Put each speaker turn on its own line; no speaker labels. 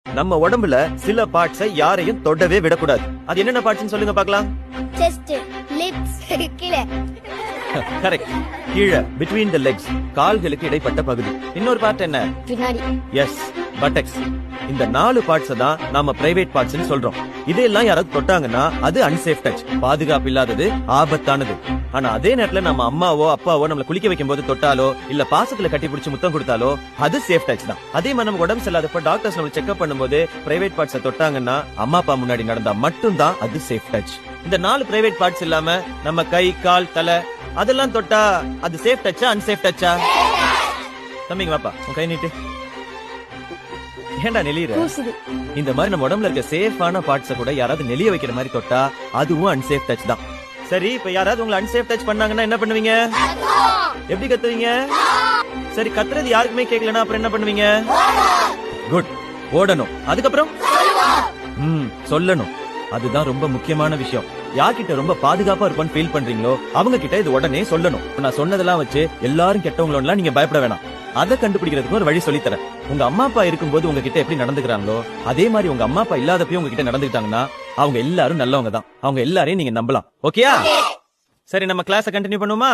நம்ம உடம்புல சில பார்ட்ஸை யாரையும் தொடவே விடக்கூடாது. அது என்னென்ன பார்ட்ஸ்னு சொல்லுங்க பார்க்கலாம்.
செஸ்ட், லிப்ஸ், கீழே.
கரெக்ட். கீழே between the legs, கால்களுக்கு இடைப்பட்ட பகுதி. இன்னொரு பார்ட் என்ன?
பின்னாடி.
Yes, buttocks. இந்த 4 பார்ட்ஸ் தான் நாம பிரைவேட் பார்ட்ஸ்னு சொல்றோம். இதெல்லாம் யாராவது தொட்டாங்கன்னா அது அன்சேஃப் டச், பாதுகாப்பு இல்லாதது, ஆபத்தானது. ஆனா அதே நேரத்துல நம்ம அம்மாவோ அப்பாவோ நம்மள குளிக்க வைக்கும் போது தொட்டாலோ இல்ல பாசத்துல கட்டி பிடிச்சு முத்தம் கொடுத்தாலோ அது சேஃப் டச் தான். அதே மாதிரி நம்ம உடம்பு சரியில்லாதப்ப டாக்டர்ஸ் நம்ம செக்அப் பண்ணும்போது பிரைவேட் பார்ட்ஸை தொட்டாங்கன்னா அம்மா அப்பா முன்னாடி நடந்தா மட்டும்தான் அது சேஃப் டச். இந்த 4 பிரைவேட் பார்ட்ஸ் இல்லாம நம்ம கை, கால், தலை அதெல்லாம் தொட்டா அது சேஃப் டச்சா அன்சேஃப் டச்சா? தம்பிங்க வாப்பா, உன் கை நீட்டு. ஏண்டா நெளியற? இந்த மாதிரி நம்ம உடம்புல இருக்க சேஃபான பார்ட்ஸ கூட யாராவது நெளிய வைக்கிற மாதிரி தொட்டா அதுவும் அன்சேஃப் டச் தான். சரி, இப்ப யாராவது உங்களை அன்சேஃப் டச் பண்ணாங்கன்னா என்ன பண்ணுவீங்க? எப்படி கத்துவீங்க? சரி, கத்துறது யாருக்குமே கேட்கலனா அப்புறம் என்ன பண்ணுவீங்க? குட், ஓடணும். அதுக்கப்புறம் சொல்லணும். அதுதான் ரொம்ப முக்கியமான விஷயம். யார்கிட்ட ரொம்ப பாதுகாப்பா இருப்பான்னு ஃபீல் பண்றீங்களோ அவங்க கிட்ட இது உடனே சொல்லணும். நான் சொன்னதெல்லாம் வச்சு எல்லாரும் கெட்டவங்களோட நீங்க பயப்பட வேணாம். அதை கண்டுபிடிக்கிறதுக்கு ஒரு வழி சொல்லித்தரேன். உங்க அம்மா அப்பா இருக்கும்போது உங்ககிட்ட எப்படி நடந்துக்கிறாங்களோ அதே மாதிரி உங்க அம்மா அப்பா இல்லாதப்பயும் உங்ககிட்ட நடந்துக்கிட்டாங்கன்னா அவங்க எல்லாரும் நல்லவங்க தான். அவங்க எல்லாரையும் நீங்க நம்பலாம். ஓகேயா? சரி, நம்ம கிளாஸை கண்டினியூ பண்ணுவோமா?